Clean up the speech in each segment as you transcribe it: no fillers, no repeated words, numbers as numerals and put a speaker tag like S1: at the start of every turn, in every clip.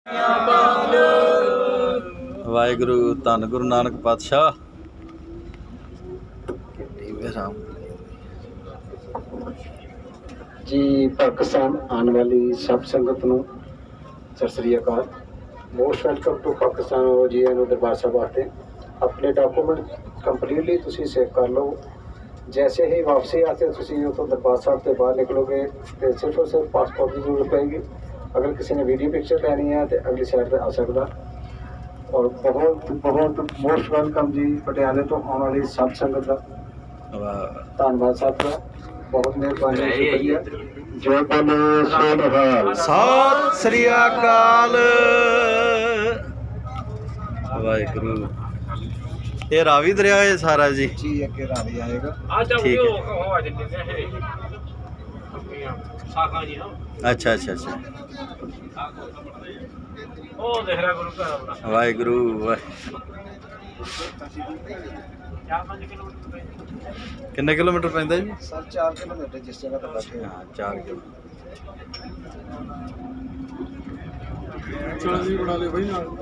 S1: वाहिगुरु धन गुरु नानक पातशाह
S2: जी। पाकिस्तान आने वाली सब संगत नूं सत श्री अकाल। मोस्ट वेलकम टू पाकिस्तान और जी एन दरबार साहब आते। अपने डॉक्यूमेंट कंप्लीटली तुसी सेव कर लो। जैसे ही वापसी आते तुसी उतो दरबार साहब से बाहर निकलोगे तो सिर्फ और सिर्फ पासपोर्ट की जरूरत पड़ेगी। अगर किसी ने वीडियो पिक्चर लेनी है तो अगली साइड पर आ सकता। और बहुत बहुत मोस्ट वेलकम जी पटियाले तो आने वाली सब संगत का धन्यवाद साहब का बहुत मेहरबानी शुक्रिया। जय बोलो सोनहाल
S1: सत श्री अकाल। वाहिगुरु ये रावी दरिया है सारा जी
S2: अगे रावी आएगा।
S1: ठीक है। अच्छा अच्छा अच्छा वाहिगुरु किन्ने किलोमीटर पैंदा जी?
S2: सर 4 किलोमीटर जिस जगह पर बैठे।
S1: हाँ 4 किलोमीटर।
S2: बना ले भाई ना।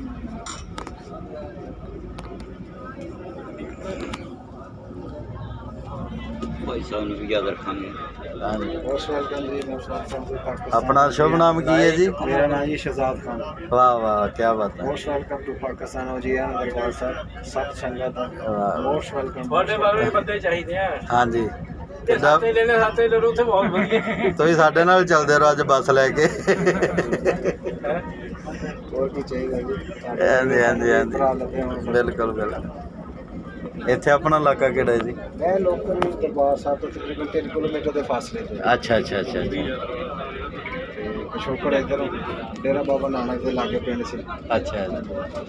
S1: अपना शुभ नाम की है जी?
S2: मेरा नाम जी शहजाद खान।
S1: वाह वाह क्या बात है।
S2: मोस्ट वेलकम टू पाकिस्तान और जी दरबार साहब सब संगत मोस्ट वेलकम। बंदे चाहिए।
S1: हाँ जी ਤੁਸੀਂ ਸਾਡੇ ਨਾਲ ਚੱਲਦੇ ਰਹੋ ਅੱਜ ਬੱਸ ਲੈ ਕੇ।
S2: ਹੋਰ ਕੀ ਚਾਹੀਦਾ ਜੀ?
S1: ਹਾਂਜੀ ਹਾਂਜੀ ਹਾਂਜੀ ਬਿਲਕੁਲ ਬਿਲਕੁਲ। ਇੱਥੇ ਆਪਣਾ ਇਲਾਕਾ ਕਿਹੜਾ ਹੈ ਜੀ?
S2: ਮੈਂ ਲੋਕਲ ਦਰਬਾਰ ਸਾਹਿਬ ਤੋਂ ਤਕਰੀਬਨ 3 ਕਿਲੋਮੀਟਰ ਦੇ ਫਾਸਲੇ ਤੇ।
S1: ਅੱਛਾ ਅੱਛਾ ਅੱਛਾ ਜੀ।
S2: ਪਿਛੋਕੜ ਇੱਧਰ ਡੇਰਾ ਬਾਬਾ ਨਾਨਕ ਦੇ ਲਾਗੇ ਪਿੰਡ ਸੀ।
S1: ਅੱਛਾ ਜੀ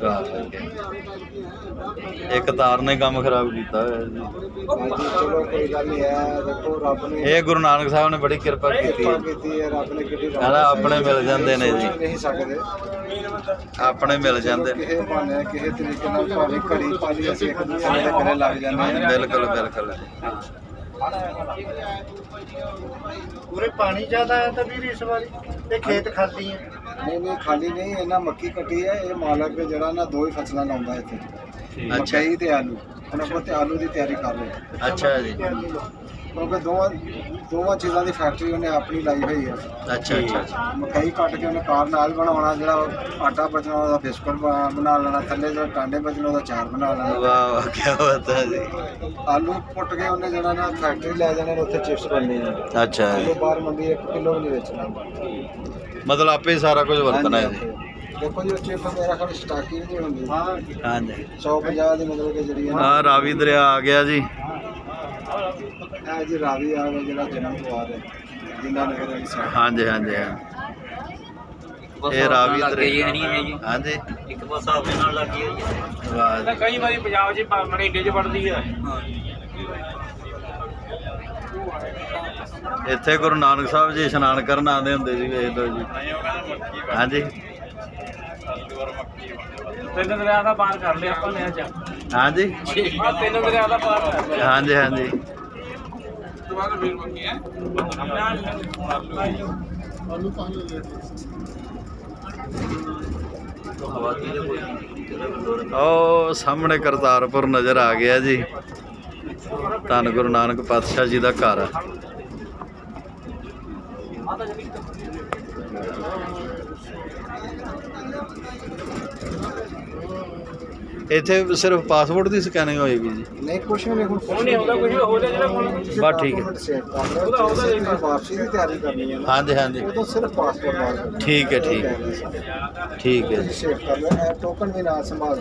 S1: ਇੱਕ ਤਾਰ ਨੇ ਕੰਮ ਖਰਾਬ ਕੀਤਾ ਹੋਇਆ ਜੀ।
S2: ਹਾਂਜੀ ਚਲੋ ਕੋਈ ਗੱਲ ਨਹੀਂ ਹੈ। ਦੇਖੋ ਰੱਬ ਨੇ
S1: ਇਹ ਗੁਰੂ ਨਾਨਕ ਸਾਹਿਬ ਨੇ ਬੜੀ ਕਿਰਪਾ ਕੀਤੀ ਹੈ।
S2: ਰੱਬ ਨੇ ਕਿਹੜੀ
S1: ਆਪਣੇ ਮਿਲ ਜਾਂਦੇ ਨੇ ਜੀ।
S2: ਨਹੀਂ ਸਕਦੇ
S1: ਆਪਣੇ ਮਿਲ ਜਾਂਦੇ ਨੇ
S2: ਕਿਸੇ ਬਹਾਨੇ ਕਿਸੇ ਤਰੀਕੇ ਨਾਲ ਭਾਵੇਂ ਘੜੀ ਪਾਲੀ ਅਸੀਂ ਇੱਕ ਦੂਸਰੇ ਦੇ ਘਰੇ ਲੱਗ ਜਾਂਦੇ ਹਾਂ।
S1: ਬਿਲਕੁਲ ਬਿਲਕੁਲ।
S2: ਪੂਰੇ ਪਾਣੀ ਜ਼ਿਆਦਾ ਹੈ ਤਾਂ ਵੀਰ ਇਸ ਵਾਰੀ ਤੇ ਖੇਤ ਖਾਲੀ ਹੈ। ਨਹੀਂ ਖਾਲੀ ਨਹੀਂ। ਇਹਨਾਂ ਮੱਕੀ ਕੱਟੀ ਹੈ। ਇਹ ਮਾਲਕ ਜਿਹੜਾ ਨਾ 2 ਹੀ ਫਸਲਾਂ ਲਾਉਂਦਾ ਇੱਥੇ ਮਕਈ ਤੇ ਆਲੂ। ਹੁਣ ਆਪਾਂ ਤੇ ਆਲੂ ਦੀ ਤਿਆਰੀ ਕਰ ਰਹੇ।
S1: ਅੱਛਾ ਜੀ।
S2: ਕਿਉਂਕਿ ਦੋਵਾਂ ਚੀਜ਼ਾਂ ਦੀ ਫੈਕਟਰੀ ਉਹਨੇ ਆਪਣੀ ਲਾਈ ਹੋਈ ਆ।
S1: ਅੱਛਾ ਅੱਛਾ।
S2: ਮਕਈ ਕੱਟ ਕੇ ਉਹਨੇ ਕਾਰ ਨਾਲ ਬਣਾਉਣਾ। ਜਿਹੜਾ ਆਟਾ ਬਚਣਾ ਉਹਦਾ ਬਿਸਕੁਟ ਬਣਾ ਲੈਣਾ। ਥੱਲੇ ਜਿਹੜਾ ਟਾਂਡੇ ਬਚਣਾ ਉਹਦਾ ਚਾਰ ਬਣਾ ਲੈਣਾ।
S1: ਵਾਹ ਵਾਹ ਕੀ ਬਾਤ ਹੈ ਜੀ।
S2: ਆਲੂ ਪੁੱਟ ਕੇ ਉਹਨੇ ਜਿਹੜਾ ਨਾ ਫੈਕਟਰੀ ਲੈ ਜਾਣੇ ਉੱਥੇ ਚਿਪਸ ਬਣਨੇ ਆ।
S1: ਅੱਛਾ
S2: ਕਿਲੋ ਬਾਹਰ ਮੰਡੀ 1 ਕਿਲੋ ਵੀ ਨਹੀਂ ਵੇਚਣਾ।
S1: ਮਤਲਬ ਆਪੇ ਸਾਰਾ ਕੁਝ ਵਰਤਣਾ ਹੈ ਜੀ।
S2: ਦੇਖੋ ਜੀ ਉੱਥੇ ਮੇਰਾ ਖਿਆਲ ਸਟਾਕੀ ਵੀ ਨਹੀਂ ਹੁੰਦੀ।
S1: ਹਾਂਜੀ
S2: 150 ਦੀ ਮਤਲਬ ਕਿ ਜਿਹੜੀ
S1: ਆ ਰਾਵੀ ਦਰਿਆ ਆ ਗਿਆ ਜੀ।
S2: ਇਹ ਜੀ ਰਾਵੀ ਆ ਗਿਆ ਜਿਹੜਾ ਜਨਮ ਦੁਆਰ ਹੈ ਜਿੰਨਾ ਨਗਰ ਵਾਲੀ ਸਾਈਡ।
S1: ਹਾਂਜੀ ਹਾਂਜੀ ਇਹ ਰਾਵੀ ਦਰਿਆ ਹਾਂਜੀ
S3: ਇੱਕ ਪਾਸਾ ਆਪਣੇ ਨਾਲ ਲੱਗੀ ਹੋਈ ਹੈ।
S1: ਵਾਹ
S3: ਕਈ ਵਾਰੀ ਪੰਜਾਬ 'ਚ ਮਰੀਡੇ 'ਚ ਵੜਦੀ ਹੈ।
S1: ਇੱਥੇ ਗੁਰੂ ਨਾਨਕ ਸਾਹਿਬ ਜੀ ਇਸ਼ਨਾਨ ਕਰਨ ਆਉਂਦੇ ਹੁੰਦੇ ਸੀ। ਵੇਖ ਲਓ ਜੀ। ਹਾਂਜੀ
S3: 3 ਦਰਿਆ ਦਾ ਪਾਰ ਕਰ ਲਿਆ ਆਪਾਂ ਨੇ ਅੱਜ।
S1: ਹਾਂਜੀ
S3: 3 ਦਰਿਆ ਦਾ ਪਾਰ ਕਰ ਲਿਆ।
S1: ਹਾਂਜੀ ਹਾਂਜੀ ਉਹ ਸਾਹਮਣੇ ਕਰਤਾਰਪੁਰ ਨਜ਼ਰ ਆ ਗਿਆ ਜੀ। ਧੰਨ ਗੁਰੂ ਨਾਨਕ ਪਾਤਸ਼ਾਹ ਜੀ ਦਾ ਘਰ ਆ। ਇੱਥੇ ਸਿਰਫ ਪਾਸਪੋਰਟ ਦੀ ਸਕੈਨਿੰਗ ਹੋਏਗੀ ਜੀ?
S2: ਨਹੀਂ ਕੁਛ ਨਹੀਂ। ਹੁਣ
S3: ਨਹੀਂ ਹੁੰਦਾ ਕੁਝ ਹੋ ਜਾ ਜਿਹੜਾ
S1: ਬਸ ਠੀਕ ਹੈ।
S2: ਉਹਦਾ ਵਾਪਸੀ ਦੀ ਤਿਆਰੀ ਕਰਨੀ ਹੈ।
S1: ਹਾਂਜੀ ਹਾਂਜੀ
S2: ਉਦੋਂ ਸਿਰਫ ਪਾਸਪੋਰਟ ਬਾਹਰ
S1: ਠੀਕ ਹੈ ਠੀਕ ਹੈ ਠੀਕ ਹੈ ਜੀ।
S2: ਸੇਵ ਕਰ ਲਓ। ਟੋਕਨ ਵੀ ਨਾਲ ਸੰਭਾਲ